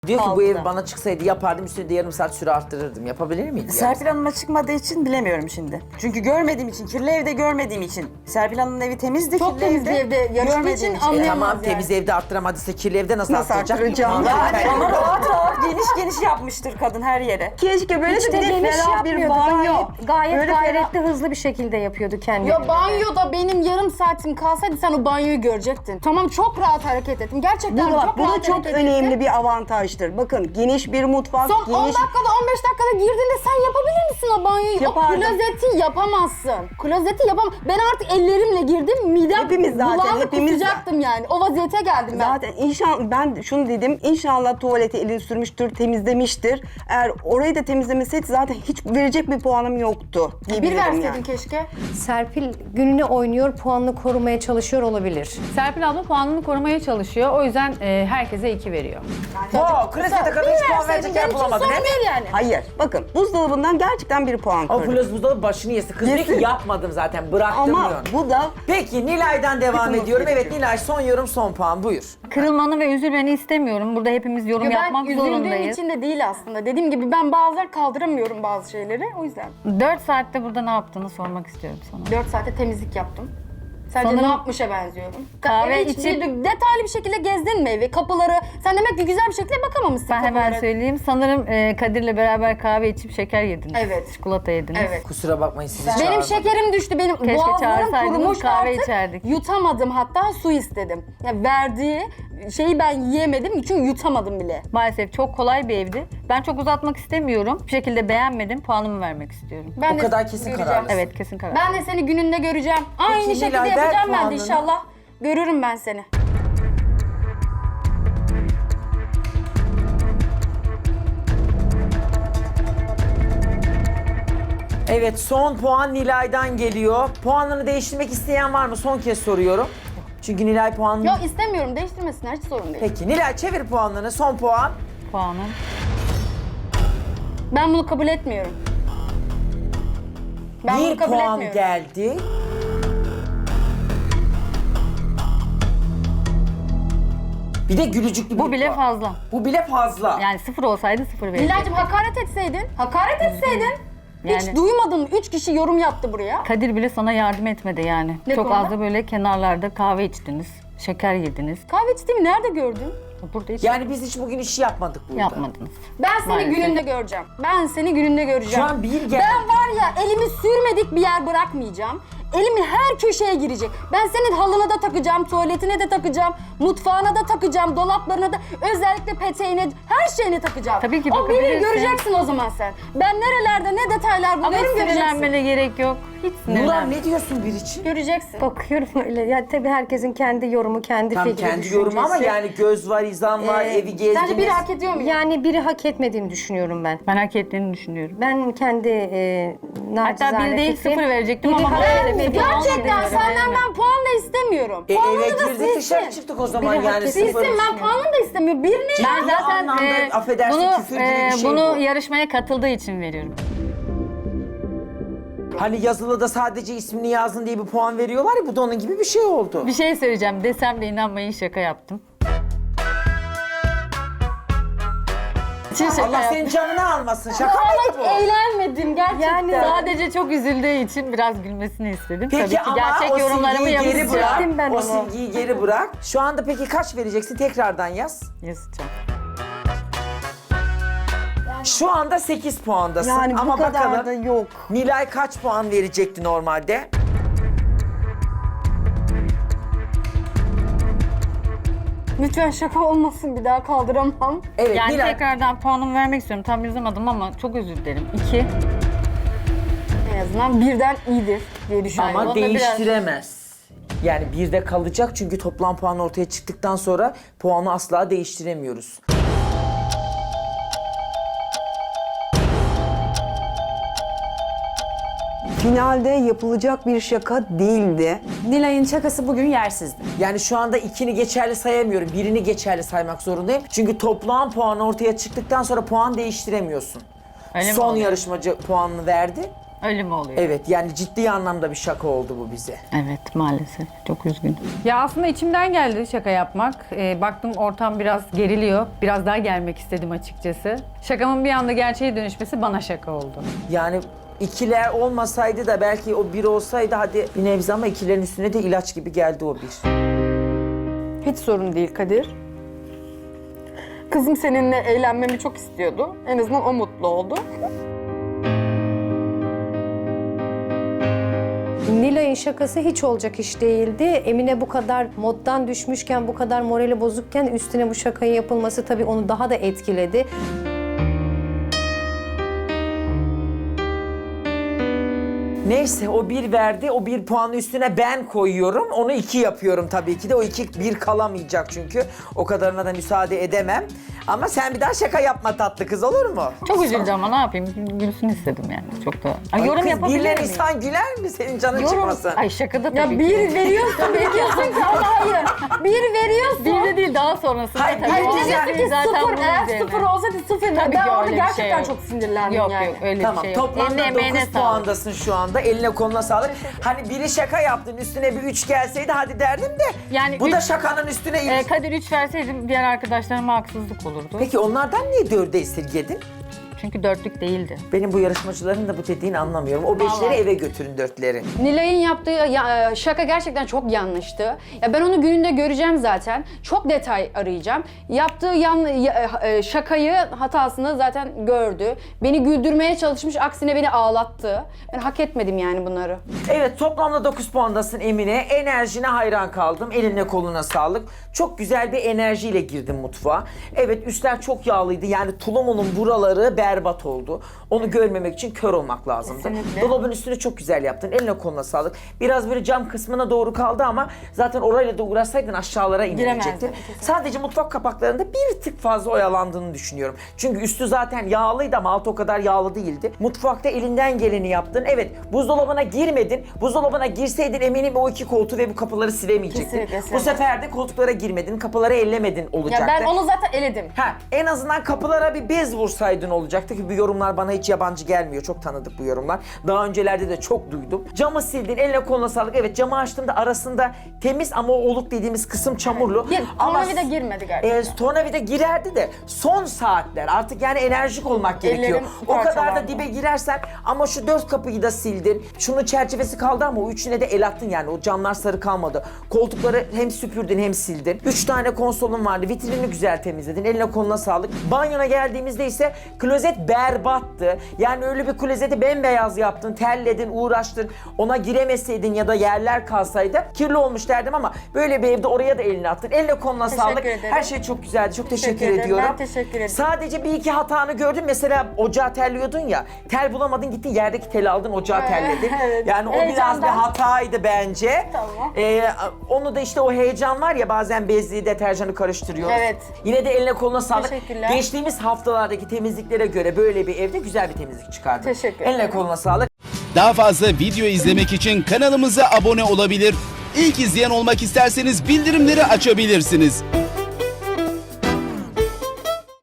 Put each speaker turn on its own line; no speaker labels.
Diyor ki bu
Kaldı
ev
da.
bana çıksaydı yapardım, üstüne de yarım saat süre arttırırdım. Yapabilir miydi?
Serpil Hanım'a çıkmadığı için bilemiyorum şimdi. Çünkü görmediğim için, kirli evde görmediğim için. Serpil Hanım'ın evi temizdi,
Çok
kirli
temiz bir evde yarışma
görmediğim
için
için.
anlayamam.
Tamam
yani.
temiz evde arttıramadıysa kirli evde nasıl arttıracak?
arttıracağım?
Ama rahat rahat geniş geniş yapmıştır kadın her yere.
Keşke böyle
Hiç
bir
de
de
geniş
ferah bir
yapmıyordu.
banyo.
Gayet
Böyle
gayretli hızlı bir şekilde yapıyordu kendini.
Ya banyoda benim yarım saatim kalsaydı sen o banyoyu görecektin. Tamam çok rahat hareket ettim. Gerçekten
Bu da,
çok
bu da
rahat
çok
hareket
önemli
ettim.
bir avantajdır. Bakın geniş bir mutfak,
Son 10
geniş...
dakikada 15 dakikada girdiğinde sen yapabilir misin o banyoyu?
Yapardım.
O klozeti yapamazsın. Klozeti yapamam. Ben artık ellerimle girdim. Midem
Hepimiz zaten,
bulandı,
hepimiz
kusacaktım yani. O vaziyete geldim ben.
Zaten inşallah ben şunu dedim, inşallah tuvalete elini sürmüştür, temizlemiştir. Eğer orayı da temizlemeseydi zaten hiç verecek bir puanım yoktu
Bir
diyebilirim
verseydin
yani.
keşke.
Serpil gününü oynuyor, puanını korumaya çalışıyor olabilir.
Serpil abla puanını korumaya çalışıyor. O yüzden herkese 2 veriyor.
Klozete kadar hiç puan verecek yer bulamadın
sorun
he?
değil yani.
Hayır, bakın buzdolabından gerçekten bir puan
O
kırdım.
buzdolabı başını yesin. Kız diyor ki
Yesin.
yapmadım zaten, bıraktım
Ama
diyor.
bu da
Peki Nilay'dan devam
Kırılması
ediyorum. Evet
gerekiyor.
Nilay son yorum son puan buyur.
Kırılmanı ve üzülmeni istemiyorum. Burada hepimiz yorum
Ya ben
yapmak
üzüldüğüm
zorundayız.
için de değil aslında. Dediğim gibi ben bazen kaldıramıyorum bazı şeyleri. O yüzden
4 saatte burada ne yaptığını sormak istiyorum sana.
4 saate temizlik yaptım. Sence
Sanırım
ne yapmışa benziyorum?
kahve
Evi hiç
içip-
detaylı bir şekilde gezdin mi evi, kapıları? Sen demek ki güzel bir şekilde bakamamışsın
Ben hemen
kapılara.
söyleyeyim. Sanırım Kadir'le beraber kahve içip şeker yediniz.
Evet.
Çikolata yediniz.
Evet.
Kusura bakmayın sizi
Benim
çağırmadım.
şekerim düştü. Benim
Keşke
boğazlarım
çağırsaydınız,
kurumuş
kahve
artık.
içerdik.
Yutamadım, hatta su istedim. Ya verdiği şeyi ben yiyemedim çünkü yutamadım bile.
Maalesef çok kolay bir evdi. Ben çok uzatmak istemiyorum. Bir şekilde beğenmedim. Puanımı vermek istiyorum.
Ben
O
de
kadar kesin
göreceğim.
kararlısın.
Evet, kesin karar.
Ben de seni gününde göreceğim. Aynı şekilde
Nilay, ver
yapacağım ben de
puanını.
inşallah. Görürüm ben seni.
Evet son puan Nilay'dan geliyor. Puanını değiştirmek isteyen var mı? Son kez soruyorum. Çünkü Nilay puanını...
Yok istemiyorum, değiştirmesinler, hiç sorun değil.
Peki Nilay çevir puanlarını. Son puan.
Puanım.
Ben bunu kabul etmiyorum. Ben bunu
Bir
kabul
puan
etmiyorum.
geldi. Bir de gülücüklü
Bu
bir
bile
puan.
fazla.
Bu bile fazla.
Yani 0 olsaydı 0 verecektim.
Nilay'cığım hakaret etseydin, hakaret etseydin. Hiç
Yani-
duymadın mı? 3 kişi yorum yaptı buraya.
Kadir bile sana yardım etmedi yani.
Ne
Çok
konuda?
az da böyle kenarlarda kahve içtiniz. Şeker yediniz.
Kahve içtiğimi nerede gördün?
Burada hiç
Yani biz hiç bugün işi yapmadık burada.
yapmadınız.
Ben seni
Maalesef.
gününde göreceğim. Ben seni gününde göreceğim.
Şu an bir geldi.
Ben var ya elimi sürmedik bir yer bırakmayacağım. Elimi her köşeye girecek. Ben senin halına da takacağım, tuvaletine de takacağım, mutfağına da takacağım, dolaplarına da, özellikle peteğine, her şeyine takacağım.
Tabii ki
o biri
bakabilirsin.
göreceksin o zaman sen. Ben nerelerde ne detaylar
Ama hiç
buluyorum göreceksin.
sinirlenmene gerek yok. Hiç
Nurhan
sinirlenme.
ne diyorsun bir için?
Göreceksin.
Bakıyorum öyle. Ya tabii herkesin kendi yorumu, kendi
Tam
fikri,
kendi yorumu ama
düşüncesi.
yani göz var, izan var, evi gezdiniz.
Sence biri hak ediyor mu?
Yani biri hak etmediğini düşünüyorum ben.
Ben hak ettiğini düşünüyorum.
Ben kendi
Hatta bir değil
fikrim,
0 verecektim
biri
ama
hak etmediğini
Gerçekten
düşünüyorum.
senden ben puan da istemiyorum.
Eve
Puanını da
girdik dışarı
silsin.
çıktık o zaman
Biri hak
yani
etsin.
sıfır.
Silsin, ben puanını da istemiyorum. Birini
Ben
Bu
zaten
anlamda, affedersin,
bunu,
küfür gibi bir şey
bunu
bu.
yarışmaya katıldığı için veriyorum.
Hani yazılıda sadece ismini yazdın diye bir puan veriyorlar ya, bu da onun gibi bir şey oldu.
Bir şey söyleyeceğim. Desem de inanmayın, şaka yaptım. İçin şaka
Allah
yaptım.
senin canını almasın. Şaka
Vallahi
mıydı
hiç
bu?
eğlenmedim gerçekten.
Yani
Sadece çok üzüldüğü için biraz gülmesini istedim.
Peki
Tabii ki
ama
gerçek
o
yorumlarımı
silgiyi geri
yapacağım.
bırak.
Sildim ben
O
onu.
silgiyi geri bırak. Şu anda peki kaç vereceksin? Tekrardan yaz.
Yazacağım.
Şu anda 8 puandasın.
yani
ama
bu kadar
bakalım
da yok.
Nilay kaç puan verecekti normalde?
Lütfen şaka olmasın, bir daha kaldıramam.
Evet
Yani
Nilay.
tekrardan puanımı vermek istiyorum. Tam yazamadım ama çok özür dilerim. 2.
En azından birden iyidir diye düşünüyorum.
Ama
onda biraz-
değiştiremez. Yani bir de kalacak çünkü toplam puan ortaya çıktıktan sonra puanı asla değiştiremiyoruz.
Finalde yapılacak bir şaka değildi.
Nilay'ın şakası bugün yersizdi.
Yani şu anda ikini geçerli sayamıyorum. Birini geçerli saymak zorundayım. Çünkü toplam puan ortaya çıktıktan sonra puan değiştiremiyorsun.
Öyle mi
Son
oluyor?
yarışmacı puanını verdi.
Öyle mi oluyor?
Evet yani ciddi anlamda bir şaka oldu bu bize.
Evet maalesef. Çok üzgünüm.
Ya aslında içimden geldi şaka yapmak. Baktım ortam biraz geriliyor. Biraz daha gelmek istedim açıkçası. Şakamın bir anda gerçeğe dönüşmesi bana şaka oldu.
Yani ikiler olmasaydı da belki o bir olsaydı hadi bir nebze ama ikilerin üstüne de ilaç gibi geldi o bir.
Hiç sorun değil Kadir. Kızım seninle eğlenmemi çok istiyordu. En azından o mutlu oldu.
Nilay'ın şakası hiç olacak iş değildi. Emine bu kadar moddan düşmüşken, bu kadar morali bozukken üstüne bu şakayı yapılması tabii onu daha da etkiledi.
Neyse o bir verdi, o bir puanı üstüne ben koyuyorum. Onu 2 yapıyorum tabii ki de. O 2 bir kalamayacak çünkü. O kadarına da müsaade edemem. Ama sen bir daha şaka yapma tatlı kız, olur mu?
Çok üzüldüm ama ne yapayım? Gülsün istedim yani. Çok da... Ay, yorum
kız,
yapabilir
birler
miyim?
insan güler mi? Senin canın
Yorum...
çıkmasın.
Ay şakada tabii
Ya
ki.
bir veriyorsun, bekliyorsun ki ama hayır. Bir veriyorsun.
Bir de değil daha sonrasında.
Hayır,
tabii.
bir
O
diyeceksin
zaten
ki sıfır,
bunun
eğer
üzerine.
sıfır olsaydı sıfır.
Tabii
Ben
ki
orada
öyle bir
gerçekten
şey yok.
çok sinirlendim
Yok
yani.
yok öyle
Tamam,
bir şey yok.
toplamda
Eline,
9
emeğine sağlık.
puandasın şu anda. Eline koluna sağlık. Hani biri şaka yaptın, üstüne bir 3 gelseydi hadi derdim de.
Yani
bu da
üç-
şakanın üstüne...
Kadir 3 verseydim diğer arkadaşlarıma haksızlık olurdu.
Peki onlardan niye 4'e esirgedin?
Çünkü dörtlük değildi.
Benim bu yarışmacıların da bu dediğini anlamıyorum. O 5'leri eve götürün 4'leri.
Nilay'ın yaptığı şaka gerçekten çok yanlıştı. Ya ben onu gününde göreceğim zaten. Çok detay arayacağım. Yaptığı şakayı, hatasını zaten gördü. Beni güldürmeye çalışmış, aksine beni ağlattı. Ben hak etmedim yani bunları.
Evet, toplamda 9 puandasın Emine. Enerjine hayran kaldım. Eline koluna sağlık. Çok güzel bir enerjiyle girdin mutfağa. Evet, üstler çok yağlıydı. Yani tulumunun buraları berbat oldu. Onu görmemek için kör olmak lazımdı.
Kesinlikle.
Dolabın üstünü çok güzel yaptın. Eline koluna sağlık. Biraz böyle cam kısmına doğru kaldı ama zaten orayla da uğraşsaydın aşağılara indirecektin.
Giremezdim.
Sadece mutfak kapaklarında bir tık fazla oyalandığını düşünüyorum. Çünkü üstü zaten yağlıydı ama altı o kadar yağlı değildi. Mutfakta elinden geleni yaptın. Evet, buzdolabına girmedin. Buzdolabına girseydin eminim o 2 koltuğu ve bu kapıları silemeyecektin.
Kesinlikle
Bu sefer de koltuklara girmedin, kapıları ellemedin olacaktı.
Ya ben onu zaten eledim.
Ha, en azından kapılara bir bez vursaydın olacaktı ki bu yorumlar bana hiç yabancı gelmiyor. Çok tanıdık bu yorumlar. Daha öncelerde de çok duydum. Camı sildin, eline koluna sağlık. Evet, camı açtığımda arasında temiz ama o oluk dediğimiz kısım çamurlu.
Tornavida girmedi gerçekten.
Tornavida girerdi de son saatler artık yani enerjik olmak gerekiyor.
Ellerim
O kadar da
parçalandı.
dibe girersen ama şu 4 kapıyı da sildin. Şunun çerçevesi kaldı ama o üçüne de el attın yani. O camlar sarı kalmadı. Koltukları hem süpürdün hem sildin. 3 tane konsolun vardı. Vitrinini güzel temizledin. Eline koluna sağlık. Banyona geldiğimizde ise klozet berbattı. Yani öyle bir klozeti bembeyaz yaptın, terledin, uğraştın. Ona giremeseydin ya da yerler kalsaydı kirli olmuş derdim ama böyle bir evde oraya da elini attın. Eline koluna sağlık.
ederim.
Her şey çok güzeldi. Çok teşekkür
Teşekkür ederim.
ediyorum.
Ben teşekkür ederim.
Sadece bir iki hatanı gördüm. Mesela ocağı terliyordun ya. Tel bulamadın, gittin yerdeki teli aldın, ocağı terledin.
evet.
Yani o biraz bir
Heyecandan.
hataydı bence.
Tamam.
Onu da işte o heyecan var ya, bazen bezli deterjanı karıştırıyoruz.
Evet.
Yine de eline koluna sağlık.
Teşekkürler.
Geçtiğimiz haftalardaki temizliklere göre böyle bir evde güzel bir temizlik çıkardın.
Teşekkür
Eline
ederim.
koluna sağlık.
Daha fazla video izlemek için kanalımıza abone olabilir. İlk izleyen olmak isterseniz bildirimleri açabilirsiniz.